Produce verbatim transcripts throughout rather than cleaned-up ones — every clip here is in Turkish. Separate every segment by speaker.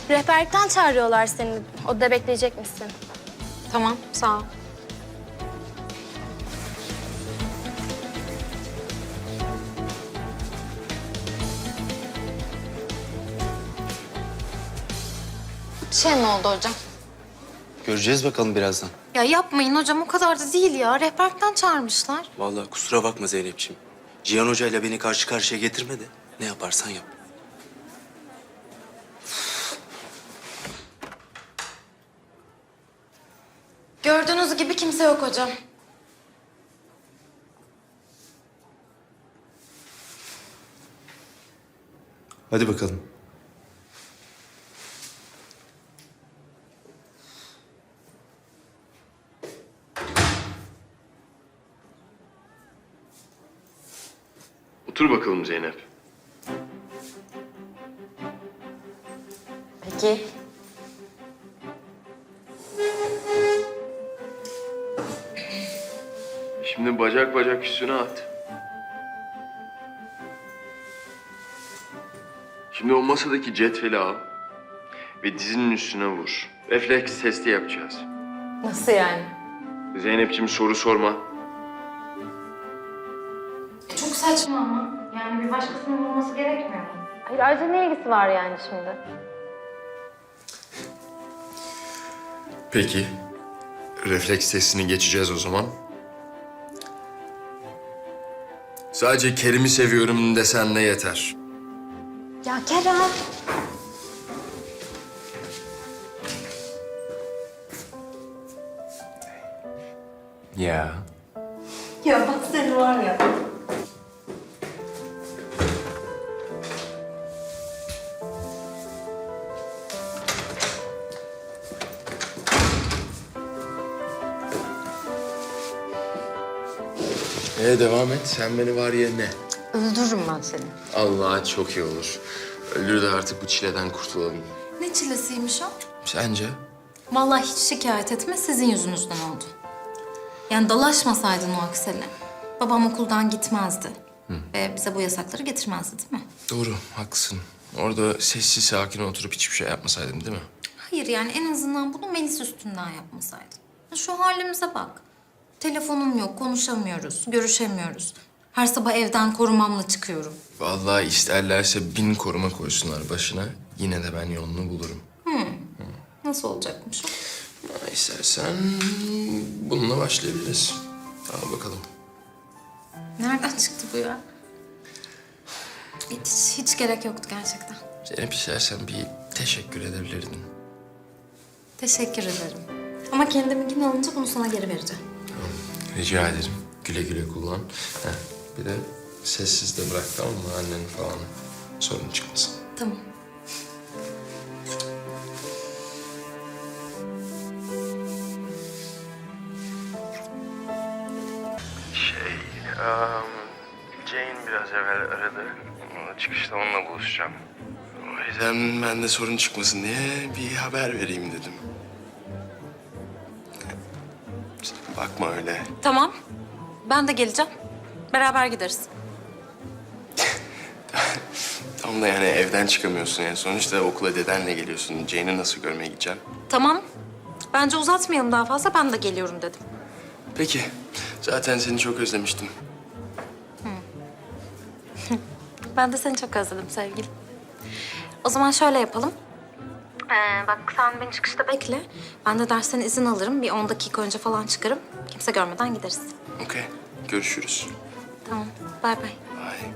Speaker 1: Rehberlikten çağırıyorlar seni. Odada bekleyecek misin?
Speaker 2: Tamam, sağ ol. Bir şey mi oldu hocam?
Speaker 3: Göreceğiz bakalım birazdan.
Speaker 2: Ya yapmayın hocam, o kadar da değil ya. Rehberlikten çağırmışlar.
Speaker 3: Vallahi kusura bakma Zeynep'ciğim. Cihan Hoca ile beni karşı karşıya getirme de ne yaparsan yap.
Speaker 2: Gördüğünüz gibi kimse yok hocam.
Speaker 3: Hadi bakalım.
Speaker 4: Otur bakalım Zeynep.
Speaker 2: Peki.
Speaker 4: Şimdi bacak bacak üstüne at. Şimdi o masadaki cetveli al ve dizinin üstüne vur. Refleks testi yapacağız.
Speaker 2: Nasıl yani?
Speaker 4: Zeynep'ciğim soru sorma.
Speaker 2: Çok saçma ama. Yani bir başkasının olması gerekmiyor mu? Hayır, ayrıca ne ilgisi var yani şimdi?
Speaker 4: Peki. Refleks testini geçeceğiz o zaman. Sadece Kerim'i seviyorum desen ne yeter.
Speaker 2: Ya Kerem.
Speaker 4: Ya.
Speaker 2: Ya bak seni var ya.
Speaker 4: Ee devam et. Sen beni var ya ne?
Speaker 2: Öldürürüm ben seni.
Speaker 4: Allah çok iyi olur. Öldür de artık bu çileden kurtulalım.
Speaker 2: Ne çilesiymiş o?
Speaker 4: Sence?
Speaker 2: Vallahi hiç şikayet etme, sizin yüzünüzden oldu. Yani dalaşmasaydın o aksele, babam okuldan gitmezdi. Ve bize bu yasakları getirmezdi değil mi?
Speaker 4: Doğru, haklısın. Orada sessiz sakin oturup hiçbir şey yapmasaydım değil mi?
Speaker 2: Hayır yani en azından bunu Melis üstünden yapmasaydın. Şu halimize bak. Telefonum yok, konuşamıyoruz, görüşemiyoruz. Her sabah evden korumamla çıkıyorum.
Speaker 4: Vallahi isterlerse bin koruma koysunlar başına. Yine de ben yolunu bulurum.
Speaker 2: Nasıl olacakmış o?
Speaker 4: Ama istersen bununla başlayabiliriz. Al bakalım.
Speaker 2: Nereden çıktı bu ya? Hiç, hiç gerek yoktu gerçekten.
Speaker 4: Zeynep istersen bir teşekkür edebilirdin.
Speaker 2: Teşekkür ederim. Ama kendiminkini alınca bunu sana geri vereceğim.
Speaker 4: Rica ederim. Güle güle kullan. Heh, bir de sessiz de bırak tamam mı annen falan. Sorun çıkmasın.
Speaker 2: Tamam.
Speaker 4: Şey, um, Jane biraz evvel aradı. Çıkışta onunla buluşacağım. O yüzden ben de sorun çıkmasın diye bir haber vereyim dedim. Sen bakma öyle.
Speaker 2: Tamam. Ben de geleceğim. Beraber gideriz.
Speaker 4: Tam da yani evden çıkamıyorsun yani. Sonuçta okula dedenle geliyorsun. Jane'i nasıl görmeye gideceksin?
Speaker 2: Tamam. Bence uzatmayalım daha fazla. Ben de geliyorum dedim.
Speaker 4: Peki. Zaten seni çok özlemiştim.
Speaker 2: Ben de seni çok özledim sevgilim. O zaman şöyle yapalım. Ee, bak sen beni çıkışta bekle. Ben de dersten izin alırım. Bir on dakika önce falan çıkarım. Kimse görmeden gideriz.
Speaker 4: Okey. Görüşürüz.
Speaker 2: Tamam. Bay bay.
Speaker 4: Bye.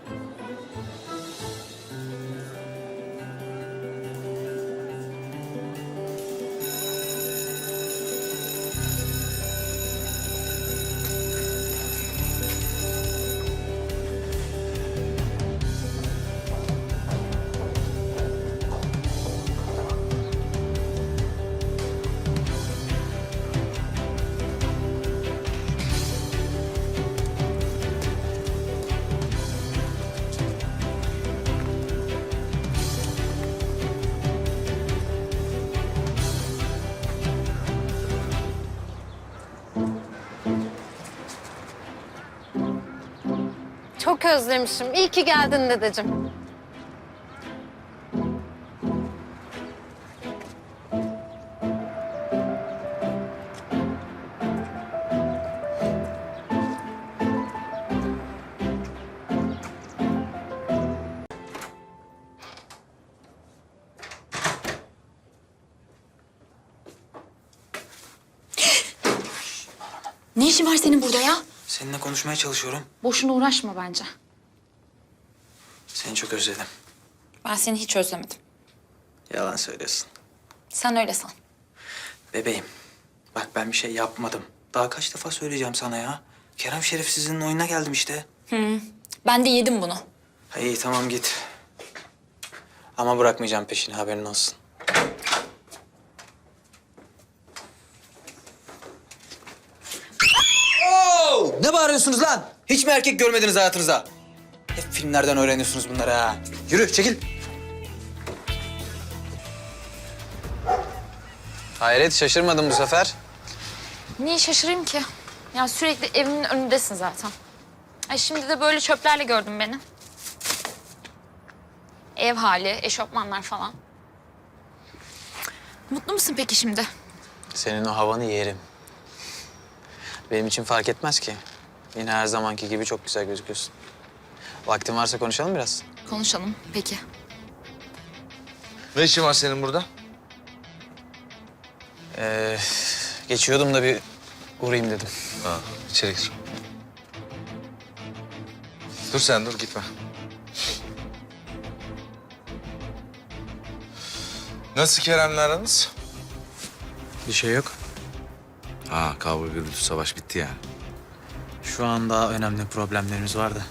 Speaker 2: Çok özlemişim. İyi ki geldin dedeciğim.
Speaker 5: Ne işin var senin burada ya?
Speaker 6: Seninle konuşmaya çalışıyorum.
Speaker 5: Boşuna uğraşma bence.
Speaker 6: Seni çok özledim.
Speaker 5: Ben seni hiç özlemedim.
Speaker 6: Yalan söylüyorsun.
Speaker 5: Sen öyle san.
Speaker 6: Bebeğim, bak ben bir şey yapmadım. Daha kaç defa söyleyeceğim sana ya. Kerem şerefsizinin oyununa geldim işte.
Speaker 5: Ben de yedim bunu.
Speaker 6: Ha, İyi tamam git. Ama bırakmayacağım peşini, haberin olsun. Oo! Ne bağırıyorsunuz lan? Hiç mi erkek görmediniz hayatınızda? Hep filmlerden öğreniyorsunuz bunları ha. Yürü çekil. Hayret şaşırmadım bu sefer.
Speaker 5: Niye şaşırayım ki? Ya sürekli evimin önündesin zaten. Ay şimdi de böyle çöplerle gördün beni. Ev hali, eşofmanlar falan. Mutlu musun peki şimdi?
Speaker 6: Senin o havanı yerim. Benim için fark etmez ki. Yine her zamanki gibi çok güzel gözüküyorsun. Vaktin varsa konuşalım biraz.
Speaker 5: Konuşalım peki.
Speaker 7: Ne işin var senin burada?
Speaker 6: Ee, geçiyordum da bir uğrayayım dedim.
Speaker 7: Ha, içeri gir. Dur sen dur gitme. Nasıl Kerem'le aranız?
Speaker 6: Bir şey yok.
Speaker 7: Ha, kavga gürültü savaş bitti yani.
Speaker 6: Şu an daha önemli problemlerimiz var da.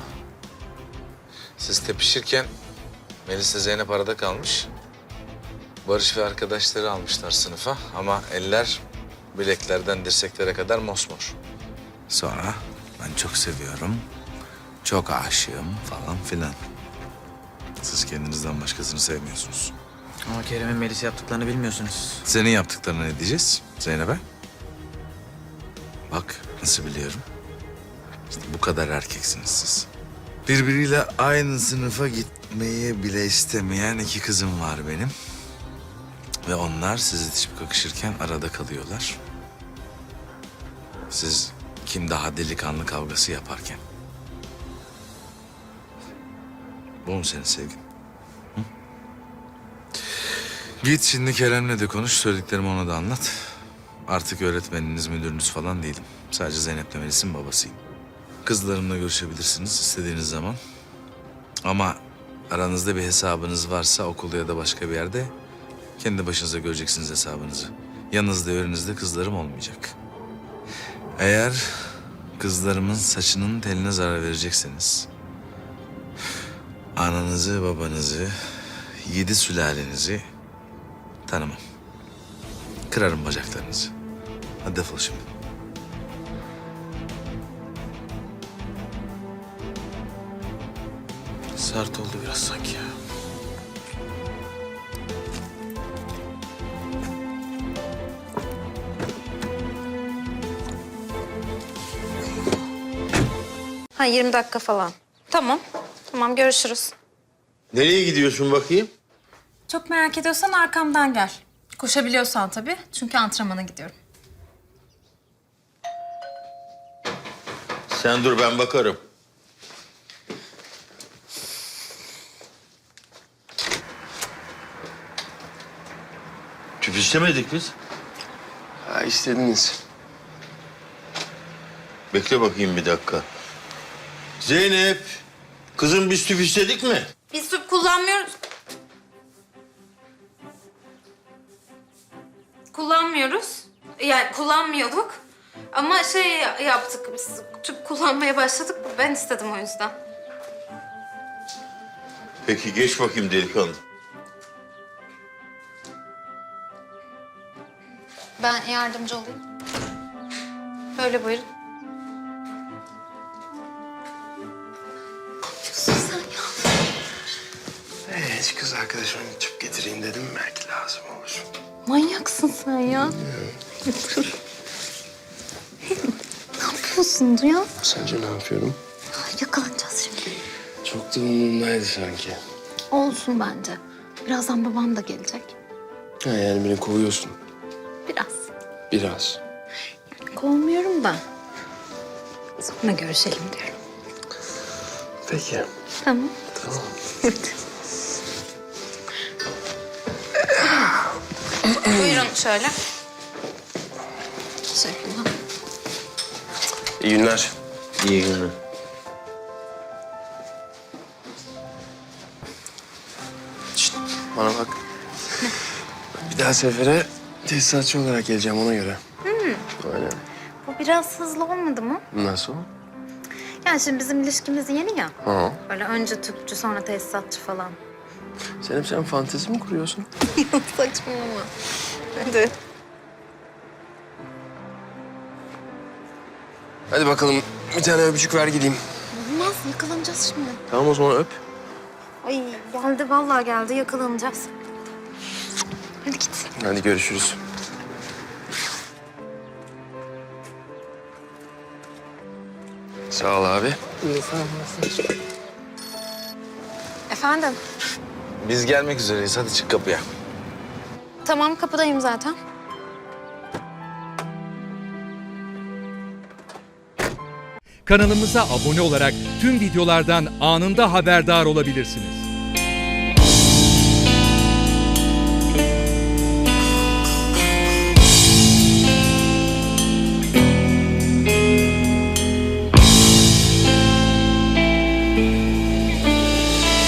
Speaker 7: Siz tepişirken Melis'le Zeynep arada kalmış. Barış ve arkadaşları almışlar sınıfa ama eller bileklerden dirseklere kadar mosmor. Sonra ben çok seviyorum, çok aşığım falan filan. Siz kendinizden başkasını sevmiyorsunuz.
Speaker 6: Ama Kerem'in Melis'e yaptıklarını bilmiyorsunuz.
Speaker 7: Senin yaptıklarına ne diyeceğiz Zeynep'e? Bak nasıl biliyorum. İşte bu kadar erkeksiniz siz. Birbiriyle aynı sınıfa gitmeyi bile istemeyen iki kızım var benim. Ve onlar siz itişip kakışırken arada kalıyorlar. Siz kim daha delikanlı kavgası yaparken. Bu mu senin sevgin? Hı? Git şimdi Kerem'le de konuş, söylediklerimi ona da anlat. Artık öğretmeniniz, müdürünüz falan değilim. Sadece Zeynep'le Melis'in babasıyım. Kızlarımla görüşebilirsiniz istediğiniz zaman. Ama aranızda bir hesabınız varsa okulda ya da başka bir yerde kendi başınıza göreceksiniz hesabınızı. Yanınızda, önünüzde kızlarım olmayacak. Eğer kızlarımın saçının teline zarar verecekseniz... ananızı, babanızı, yedi sülalenizi tanımam. Kırarım bacaklarınızı. Hadi defol şimdi.
Speaker 6: Sert oldu biraz sanki ya.
Speaker 2: Ha yirmi dakika falan. Tamam. Tamam görüşürüz.
Speaker 8: Nereye gidiyorsun bakayım?
Speaker 9: Çok merak ediyorsan arkamdan gel. Koşabiliyorsan tabii. Çünkü antrenmana gidiyorum.
Speaker 8: Sen dur ben bakarım. Tüp istemedik biz.
Speaker 4: Ha istediniz.
Speaker 8: Bekle bakayım bir dakika. Zeynep, kızım biz tüp istedik mi?
Speaker 2: Biz tüp kullanmıyoruz. Kullanmıyoruz. Yani kullanmıyorduk. Ama şey yaptık biz. Tüp kullanmaya başladık. Ben istedim o yüzden.
Speaker 8: Peki geç bakayım delikanlı.
Speaker 2: Ben yardımcı olayım. Böyle buyurun.
Speaker 4: Ee, hiç kız arkadaşıma tüp getireyim dedim. Belki lazım olur.
Speaker 5: Manyaksın sen ya. Ne yapıyorsun Duyan?
Speaker 4: Sence ne yapıyorum?
Speaker 5: Yakalanacağız şimdi.
Speaker 4: Çok da umurumdaydı sanki.
Speaker 5: Olsun bence. Birazdan babam da gelecek.
Speaker 4: Ha, yani beni kovuyorsun.
Speaker 5: Biraz.
Speaker 4: Biraz.
Speaker 5: Kovmuyorum da. Sonra görüşelim diyorum.
Speaker 4: Peki.
Speaker 5: Tamam.
Speaker 4: Tamam.
Speaker 2: Buyurun şöyle. Teşekkürler.
Speaker 4: İyi günler.
Speaker 8: İyi günler.
Speaker 4: Şişt, bana bak. Bir daha sefere tesisatçı olarak geleceğim ona göre. Aynen.
Speaker 2: Bu biraz hızlı olmadı mı?
Speaker 4: Nasıl?
Speaker 2: Yani şimdi bizim ilişkimiz yeni ya.
Speaker 4: Ha.
Speaker 2: Böyle önce tüpçü sonra tesisatçı falan.
Speaker 4: Zeynep sen fantezi mi kuruyorsun?
Speaker 2: Saçmalama. Hadi.
Speaker 4: Hadi bakalım bir tane öpücük ver gideyim.
Speaker 2: Olmaz yakalanacağız şimdi.
Speaker 4: Tamam o zaman öp.
Speaker 2: Ay geldi vallahi geldi yakalanacağız. Hadi git.
Speaker 4: Hadi görüşürüz. Sağ ol abi.
Speaker 2: Efendim?
Speaker 7: Biz gelmek üzereyiz. Hadi çık kapıya.
Speaker 2: Tamam kapıdayım zaten.
Speaker 10: Kanalımıza abone olarak tüm videolardan anında haberdar olabilirsiniz.